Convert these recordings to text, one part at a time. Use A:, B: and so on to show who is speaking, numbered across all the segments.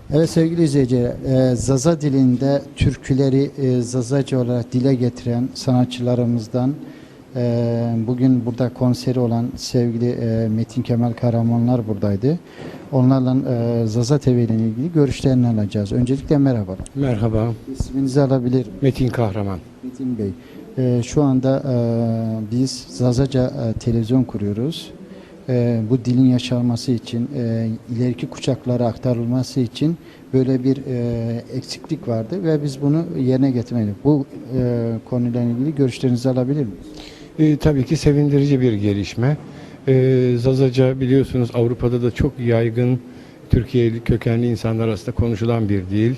A: Evet sevgili izleyiciler, Zaza dilinde türküleri Zazaca olarak dile getiren sanatçılarımızdan bugün burada konseri olan sevgili Metin Kemal Kahramanlar buradaydı. Onlarla Zaza TV ile ilgili görüşlerini alacağız. Öncelikle merhaba.
B: Merhaba,
A: İsminizi alabilir miyim?
B: Metin Kahraman.
A: Metin Bey. Şu anda biz Zazaca televizyon kuruyoruz. Bu dilin yaşanması için, ileriki kuşaklara aktarılması için böyle bir eksiklik vardı ve biz bunu yerine getirmedik. Bu konuyla ilgili görüşlerinizi alabilir miyim?
B: Tabii ki sevindirici bir gelişme. Zazaca biliyorsunuz Avrupa'da da çok yaygın, Türkiye'li kökenli insanlar arasında konuşulan bir dil.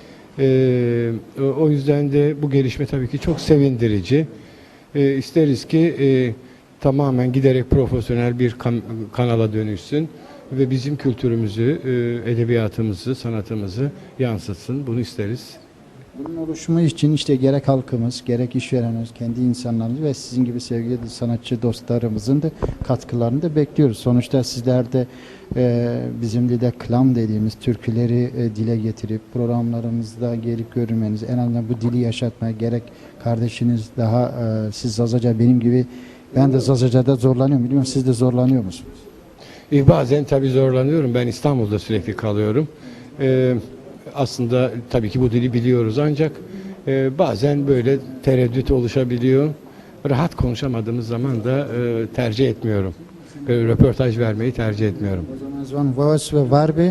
B: O yüzden de bu gelişme tabii ki çok sevindirici. İsteriz ki tamamen giderek profesyonel bir kanala dönüşsün ve bizim kültürümüzü, edebiyatımızı, sanatımızı yansıtsın. Bunu isteriz.
A: Bunun oluşumu için işte gerek halkımız, gerek işverenimiz, kendi insanlarımız ve sizin gibi sevgili sanatçı dostlarımızın da katkılarını da bekliyoruz. Sonuçta sizler de bizim de klam dediğimiz türküleri dile getirip programlarımızda gelip görmeniz, en azından bu dili yaşatmaya gerek kardeşiniz daha siz Zazaca benim gibi ben de Zazaca'da zorlanıyorum. Biliyorum siz de zorlanıyor musunuz?
B: Bazen tabii zorlanıyorum. Ben İstanbul'da sürekli kalıyorum. Aslında tabii ki bu dili biliyoruz ancak bazen böyle tereddüt oluşabiliyor. Rahat konuşamadığımız zaman da tercih etmiyorum. Röportaj vermeyi tercih etmiyorum.
A: O zaman Vavas ve Varbi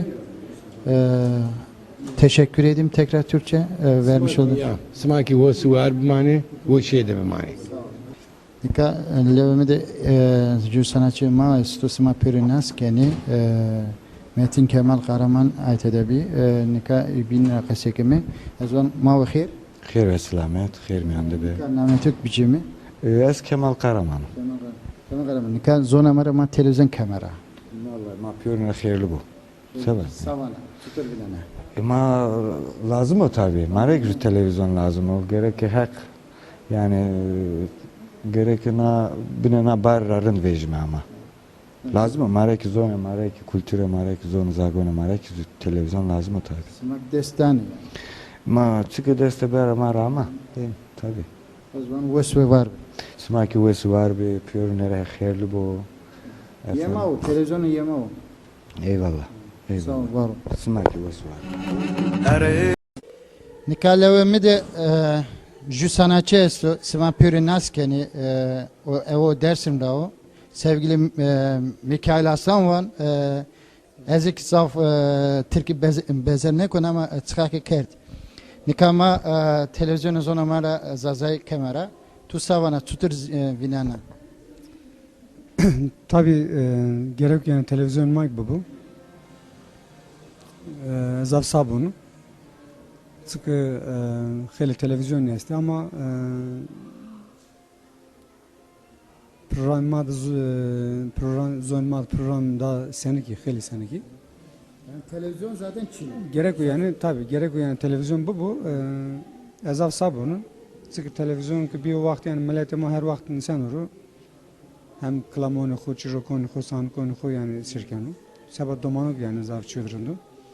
A: teşekkür edeyim tekrar Türkçe vermiş olduk.
B: Smaki vosu var bir mani, bu şey de bir mani.
A: Nika levme de ju sanatçı maestro sima perinas keni Metin Kemal Kahraman ait edebi nika bin kasekemi azvan ma ve khair
C: خير ve selamet, خير mi anda be?
A: nametuk biçimi
C: Ez Kemal Karaman.
A: Kemal Kahraman nika zona mara ma televizyon kamera
C: Vallahi ma piyonuna hayırlı bu. Sever.
A: savana tutur bilene
C: Ma lazım o tabii. Mara güzel televizyon lazım o. Gerek hak yani gerek na binana barrarın vecme ama. Lazım o. Mara ki zona, mara ki kültüre, mara ki zona zagona, mara ki televizyon lazım o tabii.
A: simak destani
C: Ma çıkı deste bera mara ama. Değil mi? Tabii.
A: o zaman ves ve var
C: Smaki vesi var be, piyonuna hayırlı bu.
A: yema o televizyonu yema o
C: Eyvallah.
A: sağ
C: Eyvallah.
A: ol var
C: Smaki vesi var.
A: nika levme de ju sanatçı esto sima perinas keni o evo dersim da o sevgili Mikail Aslan var ezik zaf Türkiye bezerne kon ama çıkaki kert nikama televizyonu zona mara zazay kamera tu savana tutur vinana
D: Tabii gerek yani televizyon mic bu. Zav sabunu. Çünkü hele televizyon neyse ama programda seneki hele seneki.
A: yani televizyon zaten Çin
D: Gerek yani tabii gerek yani televizyon bu. Zav sabunu. Çünkü televizyon ki bir vakit yani millete her vakit insan olur. Hem klamonu xo, çirokonu xo, sankonu xo yani sirkenu. Sabah domanuk yani zav çöldüründü.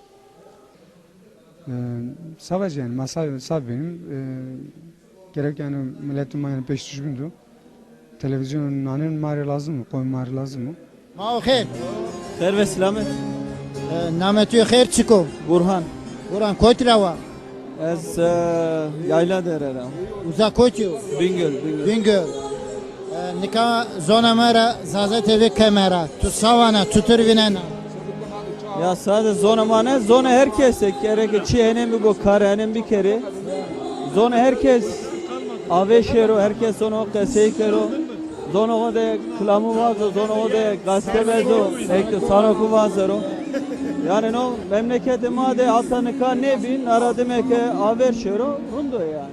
D: Sadece yani masal benim gerek yani milletim yani peş düşmündü. Televizyonun nanen mari lazım mı? Koyun mari lazım mı?
A: ma o khair
E: خير وسلامت
A: nametu khair çiko
E: برهان
A: Kur'an koytrava
E: از yayla dererem
A: uzak koytu
E: Bingöl
A: Bingöl nika zona mara zaza TV kamera tu savana tutur vinana
E: ya sadece zona mane zona herkes gerek çiğnenin bir bu karenin bir kere zona herkes aveşero herkes onu keseyero zona o da klamı var zona o da gazete bezo ekte sanoku vazero yani no memlekete made atanika ne bin aradım ki aveşero rundo yani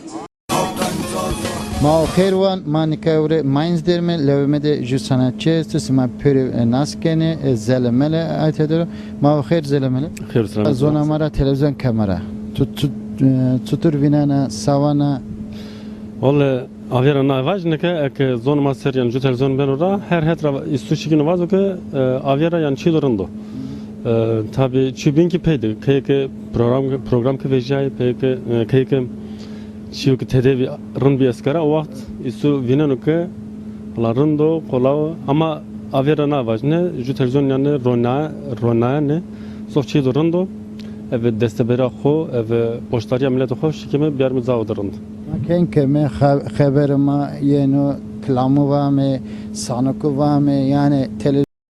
A: ma o khair wan ma nika ure Mainz derme levme de ju sanatçı tu sima peri naskeni zelemele ait eder ma o khair zelemele zona mara televizyon kamera tutur vinana savana
F: Vallahi avera na vaj ke ek zon master yani ju televizyon ben orada her hetra istuçi gün vaz ke avera yani çilorando. tabi çubin ki peydi kayık program ki vecay kayık çiğ ki tedavi rın bir askara o vakit isu vinen ki larındo kolav ama avera na vajne ju televizyon yani rona ne sohçi durando evet destebera xo evet poştarya millet xo şikeme bir mizavdırında.
A: Kenke me haberima yeno klamu vame sanuku vame yani